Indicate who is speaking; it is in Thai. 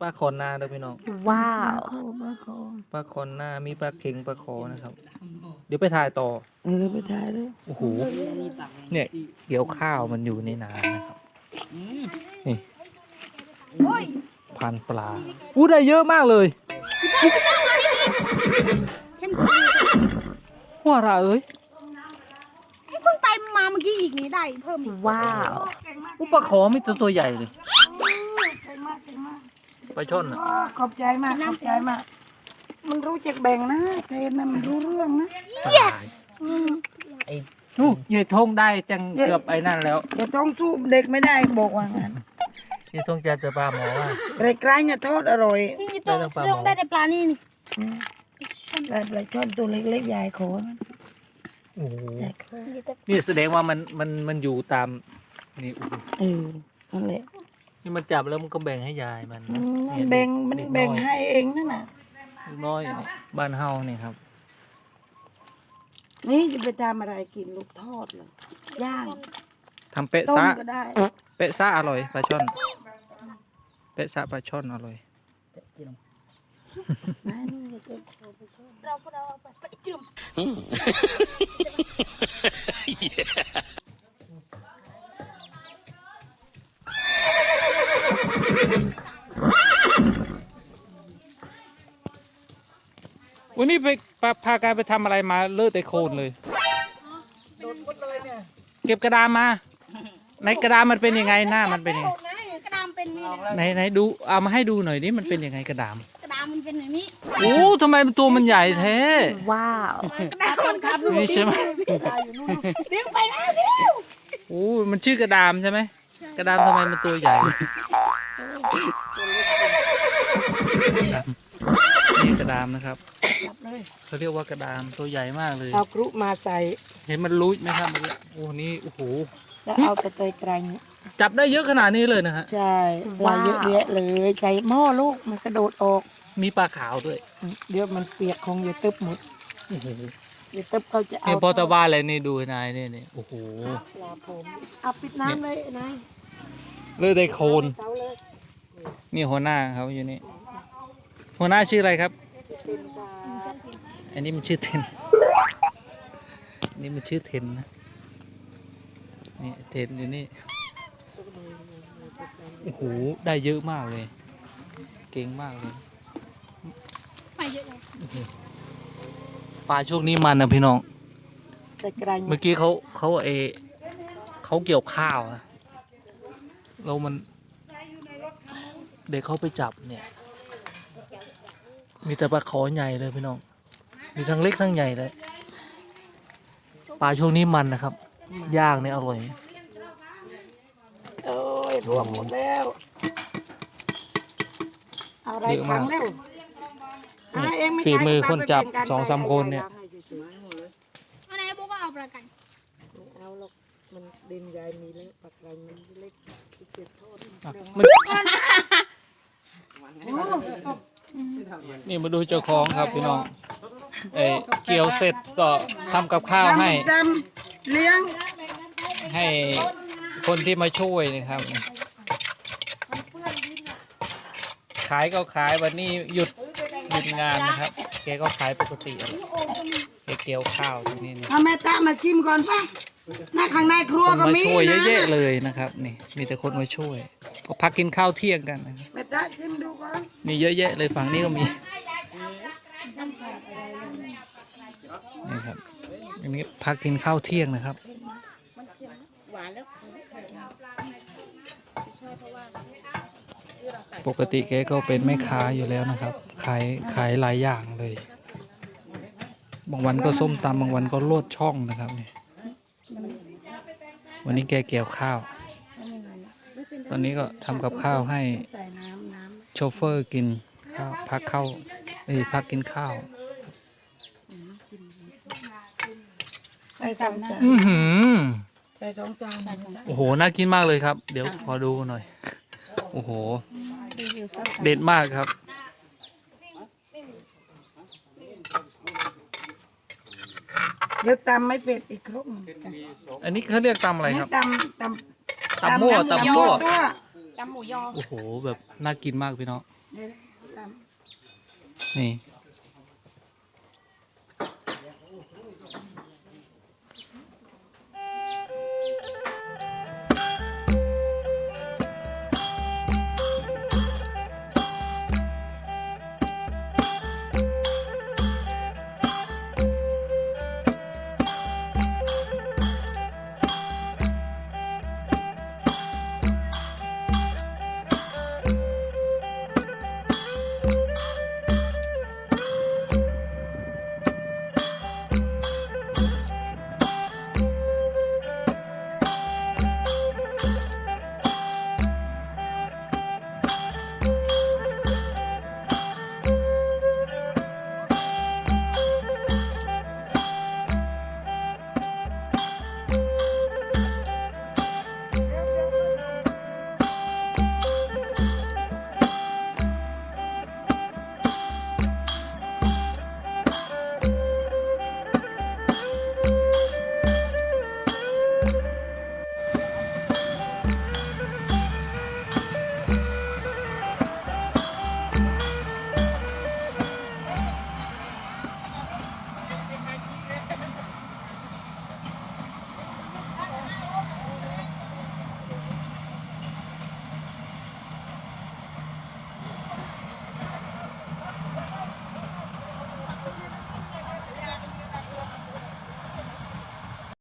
Speaker 1: ปลาขอนนาเด้อพี่น้อง
Speaker 2: ว้าว
Speaker 1: ปลาขอนนามีปลาเข็งปลาขอนะครับ เดี๋ยวไปถ่ายต่อ
Speaker 2: ไปถ่ายเลย
Speaker 1: โอ้โหเนี่ยเกี่ยวข้าวมันอยู่ในนานะครับนี่พันปลาอู้ได้เยอะมากเลยว่าอะไรเอ้ย
Speaker 3: เพิ่งไปมาเมื่อกี้อีกนี้ได้เพิ่มอีก
Speaker 2: ว้าว
Speaker 1: อู้ปลาขอมีตัวใหญ่เลย
Speaker 3: เก่งมากเก่งมาก
Speaker 1: ปลาช่อนอ่ะ
Speaker 2: ขอบใจมากขอบใจมากมันรู้จักแบ่งนะเทนมันรู้เรื่องนะ
Speaker 1: yes ไอ้นู่ยายทงได้จังเกือบไอ้นั่นแล้ว
Speaker 2: จะต้องสู้เด็กไม่ได้บอกว่างั้น
Speaker 1: ยายทงจะปลาหมอว่า
Speaker 2: ไกลๆเนี่ยทอดอร่อย
Speaker 3: นี่ตัวเรื่องได้แต่ปลานี่นี่
Speaker 2: ได้ปลาช่อนตัวเล็กๆใหญ่ขอนะ
Speaker 1: โอ้โห
Speaker 2: ใหญ่ขอ
Speaker 1: นี่แสดงว่ามันอยู่ตามนี่โอ้โห
Speaker 2: นั่นแหละ
Speaker 1: นี่มันจับแล้วมันก็แบ่งให้ยายมันนะ
Speaker 2: มันแบ่งมันแบ่งให้เองนั่นน่ะ
Speaker 1: เด็กน้อยบ้านเฮานี่ครับ
Speaker 2: นี่จะไปทำอะไรกินลูกทอดเหรอย่าง
Speaker 1: ทำเป๊ะ
Speaker 2: ต้ม
Speaker 1: ซะ
Speaker 2: ก็ได้
Speaker 1: เป๊ะซะอร่อยปลาช่อนเป๊ะซะปลาช่อนอร่อย
Speaker 3: เราไปจุ่ม
Speaker 1: วันนี้ไปพาการไปทำอะไรมาเลอะแต่โคลนเลยเก็บกระดาษมาในกระดาษมันเป็นยังไงหน้ามันเป็นยังไง
Speaker 3: กระดามเป็นนี่
Speaker 1: ไหนดูเอามาให้ดูหน่อยนี่มันเป็นยังไงกระดาม
Speaker 3: กระดามมันเป็นแบบนี้
Speaker 1: โอ้ทำไมมันตัวมันใหญ่แท้
Speaker 2: ว้าว
Speaker 3: กระดามมันก็สูง
Speaker 1: นี่ใช่ไหม
Speaker 3: ดึงไปนะเดี๋ยว
Speaker 1: โอ้มันชื่อกระดามใช่ไหมกระดามทำไมมันตัวใหญ่นี่กระดามนะครับเขาเรียกว่ากระดามตัวใหญ่มากเลย
Speaker 2: เอากรุมาใส่
Speaker 1: เห็นมันรู้ไหมครับโอ้นี่โอ้โห
Speaker 2: แล้วเอาไปเตยไกลเนี่ย
Speaker 1: จับได้เยอะขนาดนี้เลยนะฮะ
Speaker 2: ใช่ปลาเยอะแยะเลยใส่หม้อลูกมันกระโดดออก
Speaker 1: มีปลาขาวด้วย
Speaker 2: เดี๋ยวมันเปียกคงอย่าตึบหมด
Speaker 1: โอ้โห
Speaker 2: อย่าตึบเขาจะเอา
Speaker 1: นี่พอตะบ้านเลยนี่ดูนายนี่โอ้โห
Speaker 2: ปลาผมเอาปิดน้ำเลยนาย
Speaker 1: เลือดได้โคลน
Speaker 2: เตาเลย
Speaker 1: นี่หัวหน้าเขาอยู่นี่หัวหน้าชื่ออะไรครับ
Speaker 2: เป็นปลา
Speaker 1: อันนี้มันชื่อเทนอันนี่มันชื่อเทนนะนี่เทนอยู่นี่โอ้โหได้เยอะมากเลย เก่งมากเลย
Speaker 3: ไปเยอะเลย
Speaker 1: ปลาช่วงนี้มันนะพี่น้อง
Speaker 2: ใส่ไกล
Speaker 1: เมื่อกี้เขาเกี่ยวข้าวนะแล้วมันเด็กเขาไปจับเนี่ยมีแต่ปลาขอใหญ่เลยพี่น้องมีทั้งเล็กทั้งใหญ่เลยปลาช่วงนี้มันนะครับย่างเนี่ยอร่อย
Speaker 2: โอ้ยรวมหมดแล้วเอาอะไรขังแล้ว
Speaker 1: ฝีมือคนจับ2-3 คนเนี่ย
Speaker 3: อันไหนบุ๊กก็เอาประกัน
Speaker 2: เอาหรอกมันดินใหญ่มีแล้วปลาไกลมันเล็กเจ็บโทษ
Speaker 1: นี่มาดูเจ้าของครับพี่น้องเกี่ยวเสร็จก็ทำกับข้าวให้
Speaker 2: จำเลี้ยง
Speaker 1: ให้คนที่มาช่วยนะครับ ขายก็ขายวันนี้หยุดงานนะครับแกก็ขายปกติแกเกี่ยวข้าวที่นี่
Speaker 2: เอาแม่ตามาชิมก่อนป่ะหน้าข้างในครัว
Speaker 1: คน
Speaker 2: ก็
Speaker 1: มา
Speaker 2: มี
Speaker 1: ช่วย
Speaker 2: นะ
Speaker 1: เยอะๆเลยนะครับนี่มีแต่คนมาช่วยก็พักกินข้าวเที่ยงกันนะครับ
Speaker 2: แม่ตาชิมดูก่อน
Speaker 1: มีเยอะแยะเลยฝั่งนี้ก็มีนี่ครับอันนี้พักกินข้าวเที่ยงนะครับปกติแกก็เป็นแม่ค้าอยู่แล้วนะครับขายหลายอย่างเลย บางวันก็ส้มตำบางวันก็โลดช่องนะครับนี่วันนี้แกเกี่ยวข้าว ตอนนี้ก็ทำกับข้าวให้
Speaker 2: ใส่น้ำ
Speaker 1: โชเฟอร์กินข้าวพักกินข้าว
Speaker 2: ใส่สองจาน
Speaker 1: อือหือ
Speaker 2: ใส่สองจาน
Speaker 1: โอ้โหน่ากินมากเลยครับ เดี๋ยวขอดูหน่อยโอ้โหเด็ดมากครับ
Speaker 2: เดี๋ยวตำไม่เป็ดอีกครบ
Speaker 1: อันนี้เขาเรียกตำอะไรครับ
Speaker 2: ตำ
Speaker 1: ตำมั่ว
Speaker 2: ตัว
Speaker 3: จำหมูยอ
Speaker 1: โอ้โหแบบน่ากินมากพี่น้อง
Speaker 2: เดี๋ยวตาม
Speaker 1: นี่